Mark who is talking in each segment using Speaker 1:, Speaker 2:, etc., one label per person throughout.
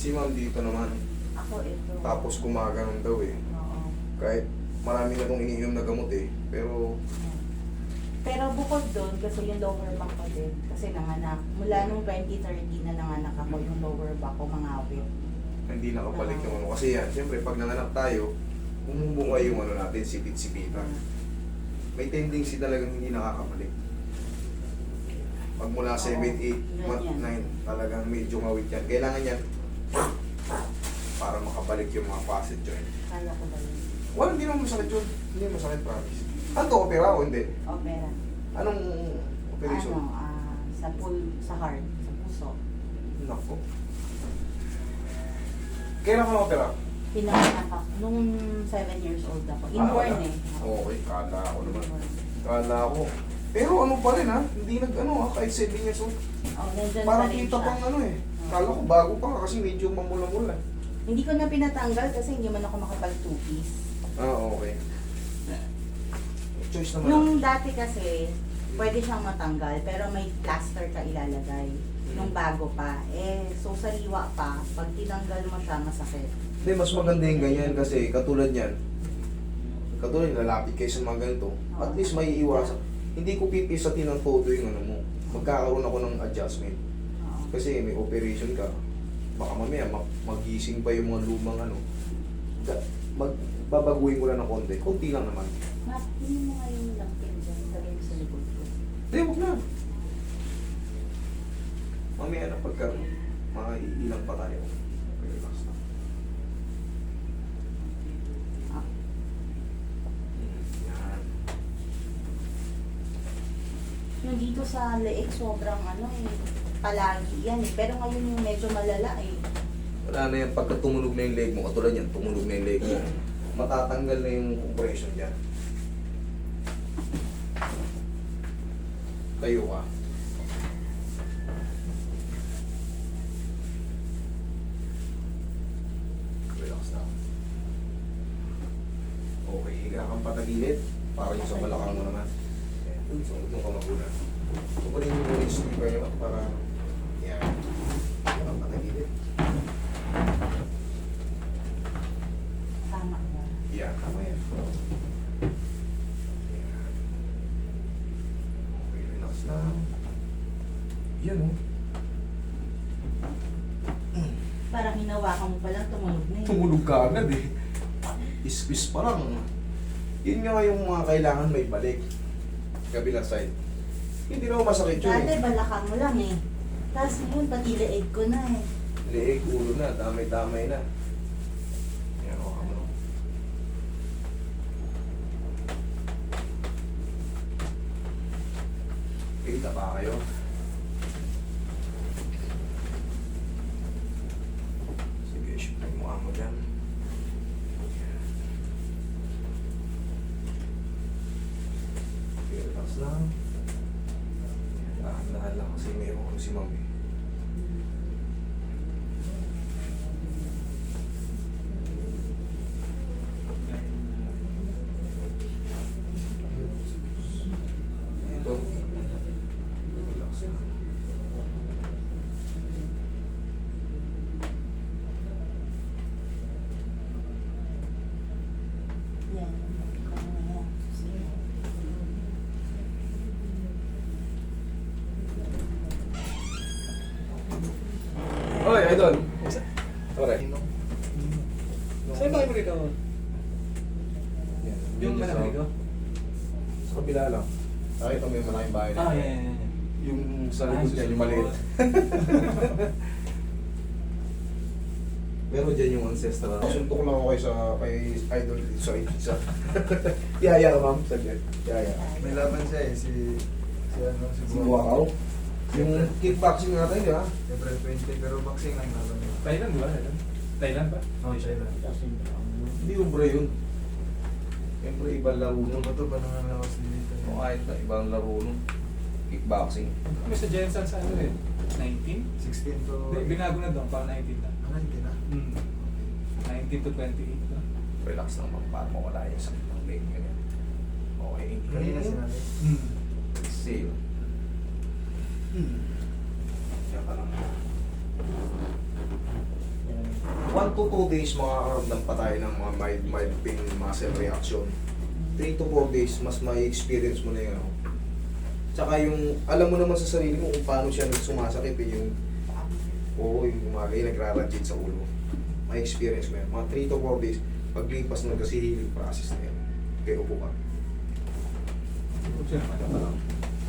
Speaker 1: Si ma'am dito naman.
Speaker 2: Ako ito.
Speaker 1: Tapos gumaganon daw eh.
Speaker 2: Oo.
Speaker 1: Kahit marami na itong iniinom na gamot eh. Pero
Speaker 2: Pero bukod doon, kasi yung lower back ko din, kasi nanganak. Mula nung 2013 na nanganak ako, yung lower back ko mangawit.
Speaker 1: hindi nakabalik yung ano. Kasi yan, siyempre pag nanganak tayo, bumubungay yung ano natin, sipit-sipitan. May tendency talagang hindi nakakabalik. Pag mula 7, 8, 9, talagang medyo ngawit yan. Kailangan yan para makabalik yung mga facet joint.
Speaker 2: Kala ko ba yun?
Speaker 1: Wala, hindi naman masakit yun. Hindi masakit, promise. Ano to, opera o hindi?
Speaker 2: Opera.
Speaker 1: Anong operation?
Speaker 2: Sa heart, sa puso.
Speaker 1: Nako. Kailan ka na-opera?
Speaker 2: Pinanganak ako nung 7 years old ako. Inborn
Speaker 1: wala.
Speaker 2: eh.
Speaker 1: Okay, kala ako naman.
Speaker 2: Inborn.
Speaker 1: Kala ko. Pero ano pa rin ha, hindi nag-ano ha, kahit 7 years old.
Speaker 2: Oh, nandyan
Speaker 1: Parang
Speaker 2: pa rin
Speaker 1: kita
Speaker 2: siya.
Speaker 1: pang ano eh. Kala ko bago pa nga kasi medyo mamula-mula.
Speaker 2: Hindi ko na pinatanggal kasi hindi man ako makapag two-piece.
Speaker 1: Okay. Choice naman.
Speaker 2: Nung dati kasi, pwede siyang matanggal pero may plaster ka ilalagay. Nung bago pa. So sariwa pa, pag tinanggal mo siya, masakit.
Speaker 1: Hindi, mas maganda yung ganyan kasi katulad yan. Katulad lalapit kayo sa mga ganito. At least may iwasan. Hindi ko pipisatin ng todo yung ano mo. Magkakaroon ako ng adjustment. Kasi may operation ka. Baka mamaya magising pa yung mga lumang ano. Babaguhin ko lang ng konti. Konti lang naman.
Speaker 2: Hindi mo nga yung lampin dyan, lagay mo sa likod ko.
Speaker 1: Hindi, huwag na. Mamaya na pagka maiilang pa tayo. Okay, relax na. Yan.
Speaker 2: Yung dito sa leeg, sobrang palagi yan eh. Pero ngayon yung medyo malala eh.
Speaker 1: Wala na yan. Pagka tumunog na yung leg mo, katulad yan, tumunog na yung leg mo, matatanggal na yung compression dyan. Tayo ka. Relax na. Okay, higa kang patagilid. Para yung sa balakang mo naman. Ayan, sunod mo ka magulan. Tukunin mo yung sleeper nyo para yan. Higa kang patagilid.
Speaker 2: Tama ba?
Speaker 1: Yan, tama yan. Yan. Okay, relax lang. Yan oh.
Speaker 2: Parang hinawakan mo pa lang, tumunog na eh.
Speaker 1: Tumulog ka agad eh. Ispis pa lang. Yun nga yung mga kailangan may balik. Kabilang side. Hindi na masakit yun
Speaker 2: Dati
Speaker 1: eh.
Speaker 2: balakang mo lang eh. Tapos ngayon, pati leeg ko na eh.
Speaker 1: Leeg, ulo na, damay-damay na. Yan o, kamo. Kita pa kayo. Sige, shoot na yung mukha mo dyan. Yan. Okay, relax lang. Dahan-dahan lang kasi mayroon ko si mami. Ito. Relax lang.
Speaker 2: Yan.
Speaker 1: Oy, idol. Ore.
Speaker 3: Saan ba kayo rito? Yung malaki rito?
Speaker 1: Sa kabila lang. Nakita mo yung malaking bahay na.
Speaker 3: Ah, yan.
Speaker 1: Yung sa likod dyan, yung maliit. Meron dyan yung ancestral. Suntok lang ako kayo sa kay idol sa isa. Yaya ka ma'am, saglit. Yaya.
Speaker 4: May laban siya eh, si
Speaker 1: Si Buakaw. Yung kickboxing natin, di ba?
Speaker 4: April 20, pero boxing lang laban niya.
Speaker 3: Thailand, di ba? Thailand ba?
Speaker 4: Oo, Thailand.
Speaker 1: Hindi yung bro yun. Siyempre, ibang laro nun.
Speaker 4: Ano ba ito ba nang lakas dito?
Speaker 1: O kahit na, ibang laro nun. Kickboxing.
Speaker 3: Kami sa Jensen sa ano eh? 19?
Speaker 4: 16 to...
Speaker 3: Hindi, binago na doon, parang 19 na.
Speaker 4: Ano, hindi na?
Speaker 3: 19 to 28 na.
Speaker 1: Relax lang ma'am, para mawala yung sakit ng leg. Ganyan. Okay.
Speaker 4: Kanina sinabi.
Speaker 1: Exhale. Yan ka lang. 1 to 2 days makakaramdam pa tayo ng mga mild pain muscle reaction. 3 to 4 days, mas may experience mo na yung ano. Tsaka yung, alam mo naman sa sarili mo kung paano siya sumasakit eh, yung, oo, yung gumagay, nagrarajit sa ulo. May experience mo yan. Mga 3 to 4 days, paglipas nun kasi healing process na yan. Kaya upo ka.
Speaker 3: Siya naman naman lang.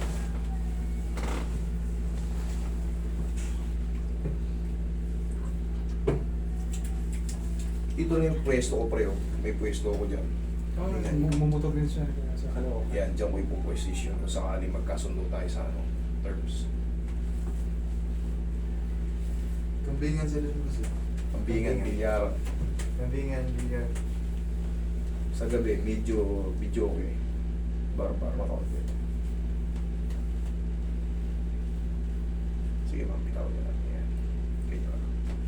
Speaker 1: Dito na yung pwesto ko preo. May pwesto ko dyan.
Speaker 3: Mumutok din siya sa kalawa.
Speaker 1: Yan, dyan ko ipoposition kung sakali magkasundo tayo sa ano, terms.
Speaker 4: Kambingan sila kasi.
Speaker 1: Pambingan, bilyar.
Speaker 4: Kambingan, bilyar.
Speaker 1: Sa gabi, medyo okay. Bar makaunti. Sige ma'am, bitaw niya lang. Yan. Okay na.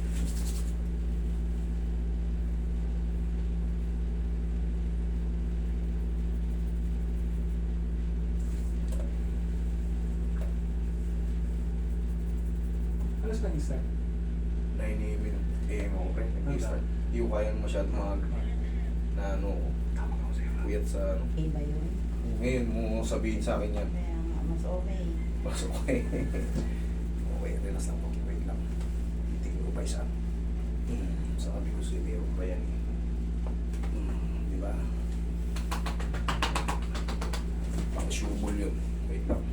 Speaker 3: Alas nag-start?
Speaker 1: 9 AM ako pre. Nag-start. Hindi ko kaya masyado na ano, kuyat sa ano.
Speaker 2: Okay ba yun?
Speaker 1: Ngayon mo sabihin sa akin yan.
Speaker 2: Kaya nga, mas okay.
Speaker 1: Mas okay. Okay, relax lang po. Wait lang. Titingin ko pa isa. Sabi ko sa'yo, meron pa yan. Di ba? Pang shubol yun. Wait lang.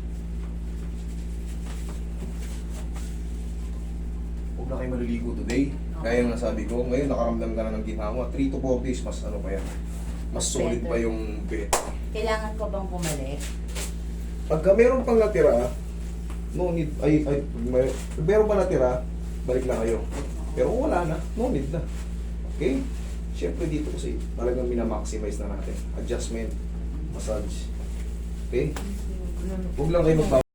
Speaker 1: Huwag na kayo maliligo today. Gaya ng nasabi ko, ngayon nakaramdam ka na ng ginawa. 3 to 4 days, mas ano pa yan. Mas solid
Speaker 2: Better.
Speaker 1: pa yung bed.
Speaker 2: Kailangan ko bang bumalik?
Speaker 1: Pagka meron pang natira, no need, meron pa natira, balik na kayo. Pero kung wala na, no need na. Okay? Siyempre dito kasi talagang minamaximize na natin. Adjustment, massage. Okay? Huwag lang kayo magbawa.